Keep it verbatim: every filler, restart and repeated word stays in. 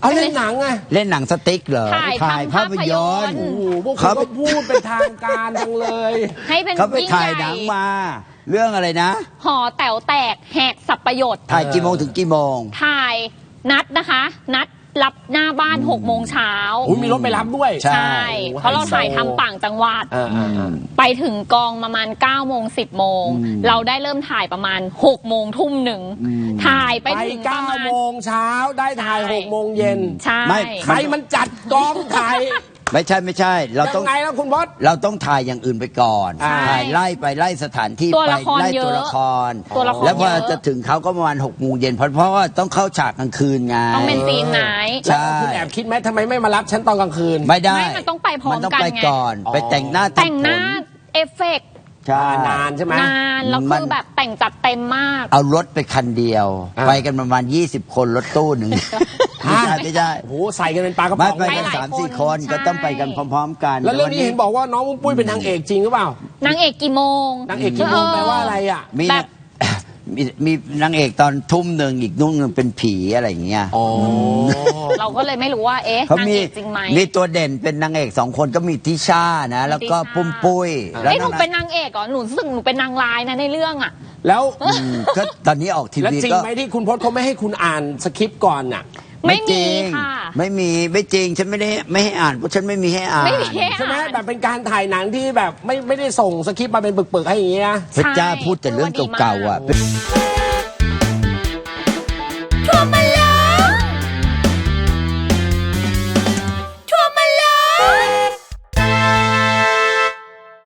เอาเล่นหนังไงเล่นหนังสติ๊กเหรอถ่ายภาพยนตร์โอ้โหพวกเขาก็พูดเป็นทางการจังเลยให้เป็นเขาไปยิ่งถ่ายใหหนัญ่งมา เรื่องอะไรนะหอแต๋วแตกแหกสับประโยชน์ถ่ายกี่โมงถึงกี่โมงถ่ายนัดนะคะ นัดรับหน้าบ้านหกโมงเช้าอุ้ยมีรถไปรับด้วยใช่ใช่เพราะเราถ่ายทำต่างจังหวัดเออเออเออไปถึงกองประมาณเก้าโมงสิบโมงเราได้เริ่มถ่ายประมาณหกโมงทุ่มหนึ่งถ่ายไปไปถึงปเก้าระมาณโมงเช้าได้ถ่ายหกโมงเย็นใช่ไม่ใครมันจัดกองถ่ายไม่ใช่ไม่ใช่ เรายัต้องงไงแล้วคุณบอสเราต้องถ่ายอย่างอื่นไปก่อนใช่ถ่ายไล่ไปไล่สถานที่ตัวไปละครไล่เยอะตัวละครตัวละครแล้วพอเยอะจะถึงเขาก็ประมาณหกโมงเย็นเพราะเพราะว่าต้องเข้าฉากกลางคืนไงต้องเป็นซีนไหนใช่แล้วคุณแอบคิดไหมทำไมไม่มารับฉันตอนกลางคืนไม่ได้ไม่มันต้องไปพร้อมมันต้องกันไปไงก่อน ไปแต่งหน้าแต่งหน้าผลเอฟเฟกต์ใช่นานใช่ไหมนานแล้วมัคืนอแบบแต่งจัดเต็มมากเอารถไปคันเดียวอ่าไปกันประมาณยี่สิบคนรถตู้หนึ่งไม่ใช่ไม่ใช่โอ้โหใส่กันเป็นปลากระไม่ป๋องไปไปกันหลายสามสี่คคน นใช่ก็ต้องไปกันพร้อมๆกันแล้วเรื่องนี้เห็นบอกว่าน้องมุ้งปุ้ยเป็นนางเอกจริงหรือเปล่านางเอกกี่โมงนางเอกกี่โมงแปลว่าอะไรอ่ะมีแบบมีมีนางเอกตอนทุ่มหนึ่งอีกนุ่งหนึ่งเป็นผีอะไรอย่างเงี้ยอ๋อเราก็เลยไม่รู้ว่าเอ๊ะเขานางมีเอกจริงไหมมีตัวเด่นเป็นนางเอกสองคนก็มีทิชานะ แล้วก็ทิชาปุ้มปุ้ยแล้วเอ้ยหนูนางเป็นนางเอกเหรอหนูรู้สึกหนูเป็นนางร้ายนะในเรื่องอ่ะแล้วอืมก็ตอนนี้ออกทีแล้ววีจริงก็ไหมที่คุณพจน์เขาไม่ให้คุณอ่านสคริปต์ก่อนน่ะไม่จมีริงค่ะไม่มีไม่จริงฉันไม่ได้ไม่ให้อ่านเพราะฉันไม่มีให้อ่านไม่มีให้ใช่ไหมอ่านแบบเป็นการถ่ายหนังที่แบบไม่ไม่ได้ส่งสคริปต์มาเป็นปึกๆให้อย่างเงี้ยนะพระเจ้าพูดแต่เรื่องเก่าๆอ่ะใช่